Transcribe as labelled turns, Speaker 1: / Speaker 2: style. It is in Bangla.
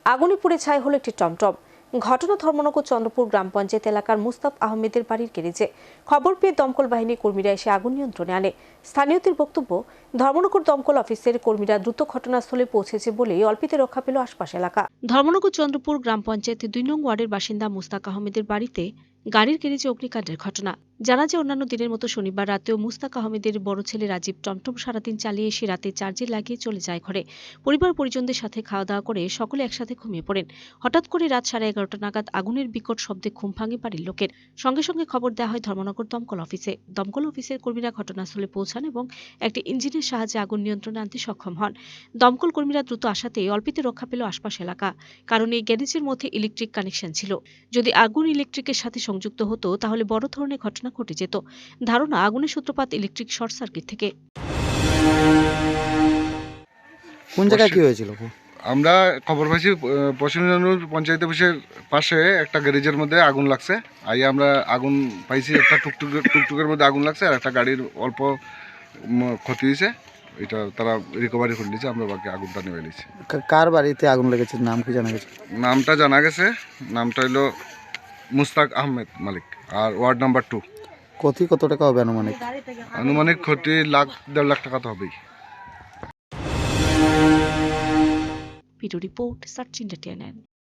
Speaker 1: আগুনে পুড়ে ছাই হলো একটি টমটম। ঘটনা ধর্মনগর চন্দ্রপুর গ্রাম পঞ্চায়েত এলাকার মুস্তাফ আহমেদের বাড়ির গ্যারেজে। খবর পেয়ে দমকল বাহিনীর কর্মীরা এসে আগুন নিয়ন্ত্রণে আনে। স্থানীয়দের বক্তব্য, ধর্মনগর দমকল অফিসের কর্মীরা দ্রুত ঘটনাস্থলে পৌঁছেছে বলেই অল্পেতে রক্ষা পেল আশপাশ এলাকা। ধর্মনগর চন্দ্রপুর গ্রাম পঞ্চায়েতের 2 নং ওয়ার্ডের বাসিন্দা মুস্তাক আহমেদের বাড়িতে গাড়ির গ্যারেজে অগ্নিকাণ্ডের ঘটনা। জানা যায়, অন্যান্য দিনের মতো শনিবার রাতেও মুস্তাক আহমেদের বড় ছেলে রাজীব টমটম সারাদিন চালিয়ে এসে রাতে চার্জে লাগিয়ে চলে যায় ঘরে। পরিবার পরিজনদের সাথে খাওয়া দাওয়া করে সকলে একসাথে ঘুমিয়ে পড়েন। হঠাৎ করে রাত 11:30 নাগাদ আগুনের বিকট শব্দে ঘুম ভাঙে বাড়ির লোকের। সঙ্গে সঙ্গে খবর দেওয়া হয় ধর্মনগর দমকল অফিসে। দমকল অফিসের কর্মীরা ঘটনাস্থলে পৌঁছান এবং একটি ইঞ্জিনের সাহায্যে আগুন নিয়ন্ত্রণে আনতে সক্ষম হন। দমকল কর্মীরা দ্রুত আসাতে অল্পেতে রক্ষা পেল আশপাশ এলাকা, কারণ এই গ্যারেজের মধ্যে ইলেকট্রিক কানেকশন ছিল। যদি আগুন ইলেকট্রিকের সাথে সংযুক্ত হতো তাহলে বড় ধরনের ঘটনা ঘটে যেত। ধারণা, আগুনের সূত্রপাত ইলেকট্রিক শর্ট সার্কিট থেকে।
Speaker 2: কোন জায়গায় কি হয়েছিল?
Speaker 3: আমরা খবর পাইছি পশ্চিম জানুর পঞ্চায়েত অফিসের পাশে একটা গ্যারেজের মধ্যে আগুন লাগছে। আমরা আগুন পাইছি, একটা টুকটুকের মধ্যে আগুন লাগছে আর একটা গাড়ির অল্প ক্ষতি হয়েছে। এটা তারা রিকভারি করে নিয়েছে, আমরা বাকি আগুনটা নেমে নিয়েছি।
Speaker 2: কার বাড়িতে আগুন লেগেছে, নাম কি জানা গেছে?
Speaker 3: নামটা জানা গেছে, নামটা হলো মুস্তাক আহমেদ মালিক, আর ওয়ার্ড নাম্বার 2।
Speaker 2: ক্ষতি কত টাকা হবে আনুমানিক?
Speaker 3: আনুমানিক ক্ষতি 1.5 লাখ টাকা তো হবেই।
Speaker 1: Video report, search India.